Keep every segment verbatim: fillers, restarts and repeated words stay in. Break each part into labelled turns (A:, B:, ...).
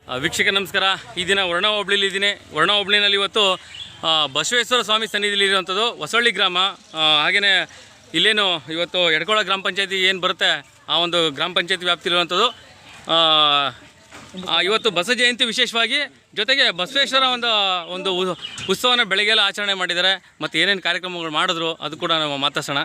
A: ವೀಕ್ಷಕ ನಮಸ್ಕಾರ. ಈ ದಿನ ವರ್ಣ ಹೋಬಳಿಲಿ ಇದ್ದೀನಿ. ವರ್ಣ ಹೋಬಳಿನಲ್ಲಿ ಇವತ್ತು ಬಸವೇಶ್ವರ ಸ್ವಾಮಿ ಸನ್ನಿಧಿಯಲ್ಲಿ ಇರುವಂಥದ್ದು ಹೊಸಳ್ಳಿ ಗ್ರಾಮ. ಹಾಗೆಯೇ ಇಲ್ಲೇನು ಇವತ್ತು ಎಡ್ಕೊಳ ಗ್ರಾಮ ಪಂಚಾಯತಿ ಏನು ಬರುತ್ತೆ ಆ ಒಂದು ಗ್ರಾಮ ಪಂಚಾಯತಿ ವ್ಯಾಪ್ತಿಲಿರುವಂಥದ್ದು. ಇವತ್ತು ಬಸವ ಜಯಂತಿ ವಿಶೇಷವಾಗಿ, ಜೊತೆಗೆ ಬಸವೇಶ್ವರ ಒಂದು ಒಂದು ಉತ್ಸವನ ಬೆಳಗ್ಗೆಲ್ಲ ಆಚರಣೆ ಮಾಡಿದ್ದಾರೆ. ಮತ್ತು ಏನೇನು ಕಾರ್ಯಕ್ರಮಗಳು ಮಾಡಿದ್ರು ಅದು ಕೂಡ ನಾವು ಮಾತಾಡ್ಸೋಣ.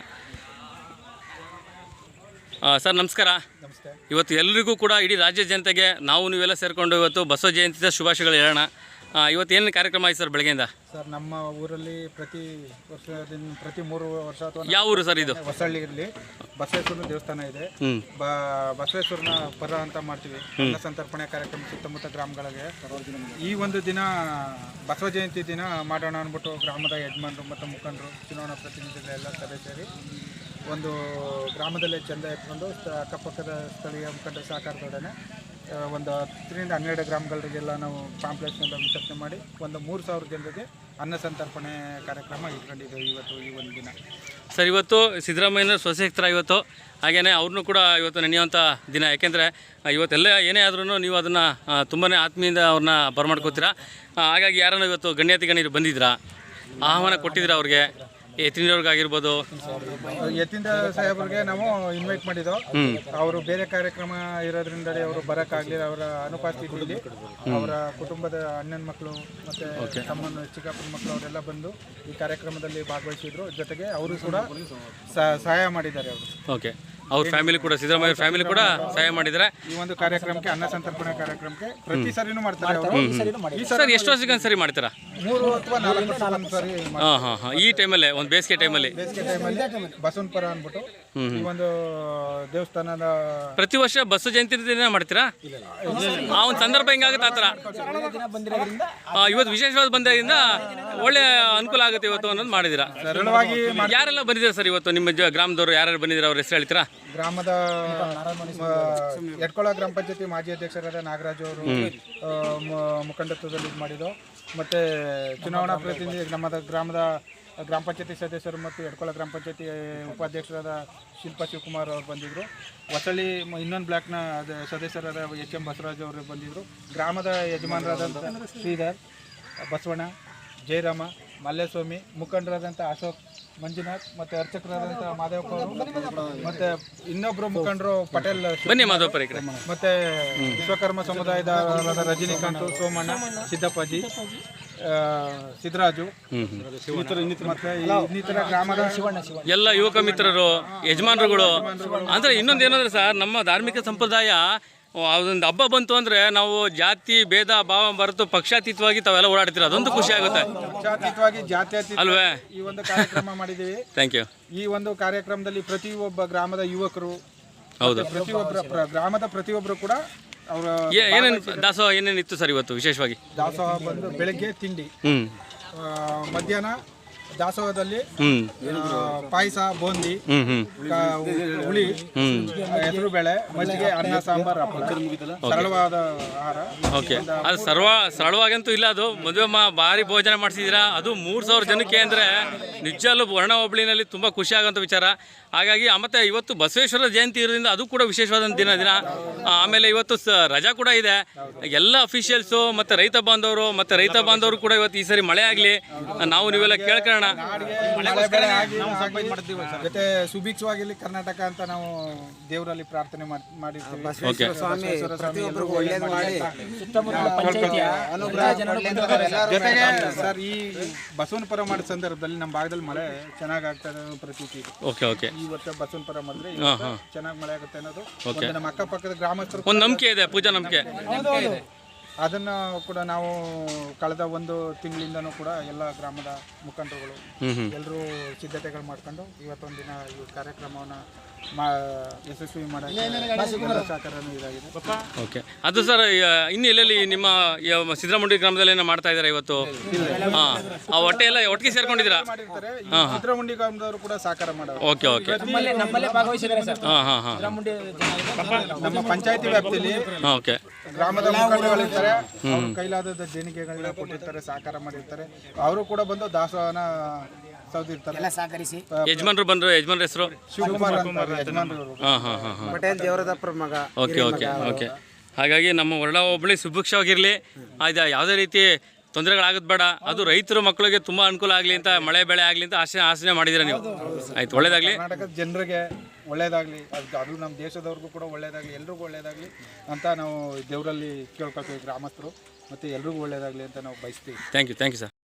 A: ಸರ್ ನಮಸ್ಕಾರ.
B: ನಮಸ್ತೆ. ಇವತ್ತು
A: ಎಲ್ಲರಿಗೂ ಕೂಡ ಇಡೀ ರಾಜ್ಯ ಜನತೆಗೆ ನಾವು ನೀವೆಲ್ಲ ಸೇರಿಕೊಂಡು ಇವತ್ತು ಬಸವ ಜಯಂತಿಯ ಶುಭಾಶಯಗಳು ಹೇಳೋಣ. ಇವತ್ತು ಏನೇನು ಕಾರ್ಯಕ್ರಮ ಆಯ್ತು ಸರ್ ಬೆಳಗ್ಗೆಯಿಂದ?
B: ಸರ್ ನಮ್ಮ ಊರಲ್ಲಿ ಪ್ರತಿ ವರ್ಷದಿಂದ ಪ್ರತಿ ಮೂರು ವರ್ಷ ಅಥವಾ
A: ಯಾವ ಊರು ಸರ್ ಇದು?
B: ಹೊಸಳ್ಳಿಯಲ್ಲಿ ಬಸವೇಶ್ವರನ ದೇವಸ್ಥಾನ ಇದೆ. ಬ ಬಸವೇಶ್ವರನ ಪರ ಅಂತ ಮಾಡ್ತೀವಿ. ಅನ್ನ ಸಂತರ್ಪಣೆ ಕಾರ್ಯಕ್ರಮ ಸುತ್ತಮುತ್ತ ಗ್ರಾಮಗಳಿಗೆ ಈ ಒಂದು ದಿನ ಬಸವ ಜಯಂತಿ ದಿನ ಮಾಡೋಣ ಅಂದ್ಬಿಟ್ಟು ಗ್ರಾಮದ ಯಜಮಾನರು ಮತ್ತು ಮುಖಂಡರು, ಚುನಾವಣಾ ಪ್ರತಿನಿಧಿಗಳೆಲ್ಲ ಸಭೆ ಸೇರಿ ಒಂದು ಗ್ರಾಮದಲ್ಲೇ ಚೆಂದ ಎತ್ಕೊಂಡು ಅಕ್ಕಪಕ್ಕದ ಸ್ಥಳೀಯ ಮುಖಂಡರ ಸಹಕಾರದೊಡನೆ ಒಂದು ಹತ್ತರಿಂದ ಹನ್ನೆರಡು ಗ್ರಾಮಗಳಿಗೆಲ್ಲ ನಾವು ಪಾಂಪ್ಲೆಟ್ಸ್ನೆಲ್ಲ ವಿತರಣೆ ಮಾಡಿ ಒಂದು ಮೂರು ಸಾವಿರ ಜನರಿಗೆ ಅನ್ನ ಸಂತರ್ಪಣೆ ಕಾರ್ಯಕ್ರಮ ಇಟ್ಕೊಂಡಿದ್ದೇವೆ ಇವತ್ತು ಈ ಒಂದು ದಿನ.
A: ಸರ್ ಇವತ್ತು ಸಿದ್ದರಾಮಯ್ಯನ ಸ್ವಶಕ್ತರ ಇವತ್ತು, ಹಾಗೆಯೇ ಅವ್ರನ್ನೂ ಕೂಡ ಇವತ್ತು ನೆನೆಯುವಂಥ ದಿನ. ಯಾಕೆಂದರೆ ಇವತ್ತೆಲ್ಲ ಏನೇ ಆದ್ರೂ ನೀವು ಅದನ್ನು ತುಂಬಾ ಆತ್ಮೀಯಿಂದ ಅವ್ರನ್ನ ಬರಮಾಡ್ಕೋತೀರಾ. ಹಾಗಾಗಿ ಯಾರನ್ನು ಇವತ್ತು ಗಣ್ಯಾತಿ ಗಣ್ಯರು ಬಂದಿದ್ದೀರಾ, ಆಹ್ವಾನ ಕೊಟ್ಟಿದ್ದೀರಾ ಅವ್ರಿಗೆ? ಯತೀಂದ್ರವ್ರಿಗಾಗಿರ್ಬೋದು,
B: ಯತೀಂದ್ರ ಸಾಹೇಬ್ರಿಗೆ ನಾವು ಇನ್ವೈಟ್ ಮಾಡಿದ್ದೋ. ಅವರು ಬೇರೆ ಕಾರ್ಯಕ್ರಮ ಇರೋದ್ರಿಂದ ಅವರು ಬರೋಕ್ಕಾಗಲಿಲ್ಲ. ಅವರ ಅನುಪಸ್ಥಿತಿಯಲ್ಲಿ ಅವರ ಕುಟುಂಬದ ಅಣ್ಣನ ಮಕ್ಕಳು ಮತ್ತು ತಮ್ಮನ ಚಿಕ್ಕಪ್ಪನ ಮಕ್ಕಳು ಅವರೆಲ್ಲ ಬಂದು ಈ ಕಾರ್ಯಕ್ರಮದಲ್ಲಿ ಭಾಗವಹಿಸಿದ್ರು. ಜೊತೆಗೆ ಅವರು ಕೂಡ ಸಹಾಯ ಮಾಡಿದ್ದಾರೆ. ಅವರು
A: ಓಕೆ ಅವ್ರ ಫ್ಯಾಮಿಲಿ ಕೂಡ, ಸಿದ್ದರಾಮಯ್ಯ ಫ್ಯಾಮಿಲಿ ಕೂಡ ಸಹಾಯ ಮಾಡಿದ್ದಾರೆ
B: ಈ ಒಂದು ಕಾರ್ಯಕ್ರಮಕ್ಕೆ, ಅನ್ನ ಸಂತರ್ಪಣೆ ಕಾರ್ಯಕ್ರಮಕ್ಕೆ. ಪ್ರತಿ ಸರಿನೂ ಮಾಡ್ತಾರೆ ಅವರು.
A: ಈ ಸರ್ ಎಷ್ಟು ವರ್ಷಕ್ಕೆ ಸರಿ ಮಾಡ್ತೀರಾ?
B: ಮೂರು ಅಥವಾ ನಾಲ್ಕು ವರ್ಷಕ್ಕೆ ಸರಿ.
A: ಹಾಂ ಹಾಂ ಹಾಂ ಈ ಟೈಮಲ್ಲಿ, ಒಂದು ಬೇಸಿಗೆ ಟೈಮಲ್ಲಿ
B: ಬೇಸಿಗೆ ಟೈಮಲ್ಲಿ ಬಸವನಪುರ ಅಂದ್ಬಿಟ್ಟು ಈ ಒಂದು ದೇವಸ್ಥಾನದ
A: ಪ್ರತಿ ವರ್ಷ ಬಸವ ಜಯಂತಿ ದಿನ ಮಾಡ್ತೀರಾ? ಆ ಒಂದು ಸಂದರ್ಭ ಹೆಂಗಾಗುತ್ತೆ ಆ ಥರ? ಇವತ್ತು ವಿಶೇಷವಾದ ಬಂದಾಗಿಂದ ಒಳ್ಳೆ ಅನುಕೂಲ ಆಗುತ್ತೆ ಇವತ್ತು ಅನ್ನೋದು ಮಾಡಿದ್ದೀರಾ.
B: ಸರಳವಾಗಿ
A: ಯಾರೆಲ್ಲ ಬಂದಿದ್ದಾರೆ ಸರ್ ಇವತ್ತು ನಿಮ್ಮ ಗ್ರಾಮದವರು? ಯಾರ್ಯಾರು ಬಂದಿದ್ದಾರೆ ಅವ್ರ ಹೆಸರು ಹೇಳ್ತೀರಾ?
B: ಗ್ರಾಮದ ಎಡ್ಕೊಳ ಗ್ರಾಮ ಪಂಚಾಯತಿ ಮಾಜಿ ಅಧ್ಯಕ್ಷರಾದ ನಾಗರಾಜ್ ಅವರು ಮುಖಂಡತ್ವದಲ್ಲಿ ಇದು ಮಾಡಿದ್ದು. ಮತ್ತು ಚುನಾವಣಾ ಪ್ರತಿನಿಧಿ ನಮ್ಮದ ಗ್ರಾಮದ ಗ್ರಾಮ ಪಂಚಾಯತಿ ಸದಸ್ಯರು ಮತ್ತು ಎಡ್ಕೊಳ ಗ್ರಾಮ ಪಂಚಾಯತಿ ಉಪಾಧ್ಯಕ್ಷರಾದ ಶಿಲ್ಪಾ ಶಿವಕುಮಾರ್ ಅವರು ಬಂದಿದ್ದರು. ಹೊಸಳ್ಳಿ ಇನ್ನೊಂದು ಬ್ಲಾಕ್ನ ಸದಸ್ಯರಾದ ಎಚ್ ಎಂ ಬಸವರಾಜ್ ಅವರು ಬಂದಿದ್ದರು. ಗ್ರಾಮದ ಯಜಮಾನರಾದಂಥ ಶ್ರೀಧರ್, ಬಸವಣ್ಣ, ಜಯರಾಮ, ಮಲ್ಲೇಸ್ವಾಮಿ, ಮುಖಂಡರಾದಂಥ ಅಶೋಕ್, ಮಂಜುನಾಥ್ ಮತ್ತು ಅರ್ಚಕರಾದಂಥ ಮಾದೇವಪ್ಪ ಅವರು, ಮತ್ತು ಇನ್ನೊಬ್ಬರು ಮುಖಂಡರು ಪಟೇಲ್
A: ಬನ್ನಿ ಮಾಧವಪುರ,
B: ಮತ್ತು ವಿಶ್ವಕರ್ಮ ಸಮುದಾಯದ ರಜನಿಕಾಂತ್, ಸೋಮಣ್ಣ, ಸಿದ್ದಪ್ಪಾಜಿ, ಸಿದ್ದರಾಜು ಮತ್ತು ಇನ್ನಿತರ ಗ್ರಾಮದ
A: ಎಲ್ಲ ಯುವಕ ಮಿತ್ರರು, ಯಜಮಾನರುಗಳು. ಅಂದರೆ ಇನ್ನೊಂದು ಏನಂದ್ರೆ ಸರ್, ನಮ್ಮ ಧಾರ್ಮಿಕ ಸಂಪ್ರದಾಯ ಅದೊಂದು ಹಬ್ಬ ಬಂತು ಅಂದರೆ ನಾವು ಜಾತಿ ಭೇದ ಭಾವ ಬರೆದು ಪಕ್ಷಾತೀತವಾಗಿ ತಾವೆಲ್ಲ ಓಡಾಡ್ತೀರ, ಅದೊಂದು ಖುಷಿ ಆಗುತ್ತೆ.
B: ಪಕ್ಷಾತೀತವಾಗಿ ಜಾತ್ಯತೀತ
A: ಅಲ್ವೇ
B: ಈ ಒಂದು ಕಾರ್ಯಕ್ರಮ ಮಾಡಿದ್ದೀವಿ.
A: Thank you.
B: ಈ ಒಂದು ಕಾರ್ಯಕ್ರಮದಲ್ಲಿ ಪ್ರತಿಯೊಬ್ಬ ಗ್ರಾಮದ ಯುವಕರು,
A: ಹೌದು,
B: ಪ್ರತಿಯೊಬ್ಬರ ಗ್ರಾಮದ ಪ್ರತಿಯೊಬ್ಬರು ಕೂಡ ಅವರ
A: ಏನೇನು ದಾಸೋಹ ಏನೇನಿತ್ತು ಸರ್ ಇವತ್ತು ವಿಶೇಷವಾಗಿ?
B: ದಾಸೋಹ ಬಂದು ಬೆಳಗ್ಗೆ ತಿಂಡಿ, ಮಧ್ಯಾಹ್ನ ದಾಸೋಹದಲ್ಲಿ ಪಾಯಸ, ಬೂಂದಿ, ಹುಳಿ, ಹೆಸರು ಬೇಳೆ, ಮಜ್ಜಿಗೆ, ಅನ್ನ, ಸಾಂಬಾರ್, ಸರಳವಾದ ಆಹಾರ.
A: ಓಕೆ, ಅದು ಸರ್ವ ಸರಳವಾಗಂತೂ ಇಲ್ಲ. ಅದು ಮದುವೆ ಮಾ ಭಾರಿ ಭೋಜನ ಮಾಡಿಸಿದ್ದೀರಾ. ಅದು ಮೂರು ಸಾವಿರ ಜನಕ್ಕೆ ಅಂದರೆ ನಿಜಲ್ಲೂ ವರ್ಣ ಹೋಬಳಿನಲ್ಲಿ ತುಂಬ ಖುಷಿ ಆಗೋಂಥ ವಿಚಾರ. ಹಾಗಾಗಿ ಮತ್ತು ಇವತ್ತು ಬಸವೇಶ್ವರ ಜಯಂತಿ ಇರೋದ್ರಿಂದ ಅದು ಕೂಡ ವಿಶೇಷವಾದಂಥ ದಿನ ದಿನ ಆಮೇಲೆ ಇವತ್ತು ಸ ರಜಾ ಕೂಡ ಇದೆ. ಎಲ್ಲ ಅಫಿಷಿಯಲ್ಸು ಮತ್ತು ರೈತ ಬಾಂಧವರು ಮತ್ತು ರೈತ ಬಾಂಧವರು ಕೂಡ ಇವತ್ತು ಈ ಸರಿ ಮಳೆ ಆಗಲಿ, ನಾವು ನೀವೆಲ್ಲ ಕೇಳ್ಕೊಳ್ಳೋಣ.
B: ಜೊತೆ ಸುಭಿಕ್ಷವಾಗಿರ್ಲಿ ಕರ್ನಾಟಕ ಅಂತ ನಾವು ದೇವರಲ್ಲಿ ಪ್ರಾರ್ಥನೆ ಮಾಡಿರ್ತೀವಿ. ಜೊತೆಗೆ ಸರ್, ಈ ಬಸವನಪುರ ಮಾಡೋ ಸಂದರ್ಭದಲ್ಲಿ ನಮ್ಮ ಭಾಗದಲ್ಲಿ ಮಳೆ ಚೆನ್ನಾಗಿ ಆಗ್ತದೆ ಅನ್ನೋ ಪ್ರತೀತಿ ಇದೆ.
A: ಓಕೆ ಓಕೆ
B: ಈ ವರ್ಷ ಬಸವನಪುರ ಮಾಡಿದ್ರೆ ಚೆನ್ನಾಗಿ ಮಳೆ ಆಗುತ್ತೆ ಅನ್ನೋದು ನಮ್ಮ ಅಕ್ಕಪಕ್ಕದ ಗ್ರಾಮಸ್ಥರು
A: ಒಂದು ನಂಬಿಕೆ ಇದೆ, ಪೂಜಾ ನಂಬಿಕೆ.
B: ಅದನ್ನು ಕೂಡ ನಾವು ಕಳೆದ ಒಂದು ತಿಂಗಳಿಂದನೂ ಕೂಡ ಎಲ್ಲ ಗ್ರಾಮದ ಮುಖಂಡರುಗಳು ಎಲ್ಲರೂ ಸಿದ್ಧತೆಗಳು ಮಾಡ್ಕೊಂಡು ಇವತ್ತೊಂದಿನ ಈ ಕಾರ್ಯಕ್ರಮವನ್ನು ಯಶಸ್ವಿ ಮಾಡೋಕ್ಕೆ ಸಹಕಾರನೂ ಇದಾಗಿದೆ.
A: ಓಕೆ, ಅದು ಸರ್ ಇನ್ನು ಎಲ್ಲೆಲ್ಲಿ ನಿಮ್ಮ ಸಿದ್ದರಾಮುಂಡಿ ಗ್ರಾಮದಲ್ಲಿ ಏನೋ ಮಾಡ್ತಾ ಇದ್ದಾರೆ ಇವತ್ತು? ಹಾಂ, ಆ ಹೊಟ್ಟೆ ಎಲ್ಲ ಒಟ್ಟಿಗೆ ಸೇರ್ಕೊಂಡಿದ್ದೀರಾ?
B: ಸಿದ್ದರಾಮುಂಡಿ ಗ್ರಾಮದವರು ಕೂಡ ಸಹಕಾರ ಮಾಡೋರು.
A: ಓಕೆ ಓಕೆ ಹಾಂ ಹಾಂ ಹಾಂ
B: ನಮ್ಮ ಪಂಚಾಯತಿ ವ್ಯಾಪ್ತಿಯಲ್ಲಿ
A: ಓಕೆ
B: ಗ್ರಾಮದ ಮುಖಂಡರುಗಳಿರ್ತಾರೆ, ಅವ್ರ ಕೈಲಾದ ದೇಣಿಗೆಗಳನ್ನ ಕೊಟ್ಟಿರ್ತಾರೆ, ಸಹಕಾರ ಮಾಡಿರ್ತಾರೆ. ಅವರು ಕೂಡ ಬಂದು ದಾಸೋಹನ
A: ಯಜಮಾನರು ಬಂದ್ರು. ಯಜಮಾನ್ರ ಹೆಸರು
B: ಶಿವಕುಮಾರ್ ಯಜಮಾನರು.
A: ಹಾಂ ಹಾಂ ಹಾಂ
B: ಪಟೇಲ್ ದೇವರದಪ್ಪರ ಮಗ.
A: ಓಕೆ ಓಕೆ ಓಕೆ ಹಾಗಾಗಿ ನಮ್ಮ ವರ್ಣ ಹೋಬಳಿ ಸುಭಿಕ್ಷವಾಗಿರಲಿ, ಅದು ಯಾವುದೇ ರೀತಿ ತೊಂದರೆಗಳಾಗೋದು ಬೇಡ, ಅದು ರೈತರ ಮಕ್ಕಳಿಗೆ ತುಂಬ ಅನುಕೂಲ ಆಗಲಿ ಅಂತ, ಮಳೆ ಬೆಳೆ ಆಗಲಿ ಅಂತ ಆಸೆ ಆಸನೆ ಮಾಡಿದ್ದೀರಾ ನೀವು. ಆಯ್ತು, ಒಳ್ಳೇದಾಗಲಿ.
B: ಕರ್ನಾಟಕದ ಜನರಿಗೆ ಒಳ್ಳೇದಾಗಲಿ, ಅದು ಅದು ನಮ್ಮ ದೇಶದವ್ರಿಗೂ ಕೂಡ ಒಳ್ಳೇದಾಗಲಿ, ಎಲ್ರಿಗೂ ಒಳ್ಳೇದಾಗಲಿ ಅಂತ ನಾವು ದೇವರಲ್ಲಿ ಕೇಳ್ಕೊಳ್ತೀವಿ, ಗ್ರಾಮಸ್ಥರು ಮತ್ತು ಎಲ್ರಿಗೂ ಒಳ್ಳೇದಾಗಲಿ ಅಂತ ನಾವು ಬಯಸ್ತೀವಿ.
A: Thank you thank you sir.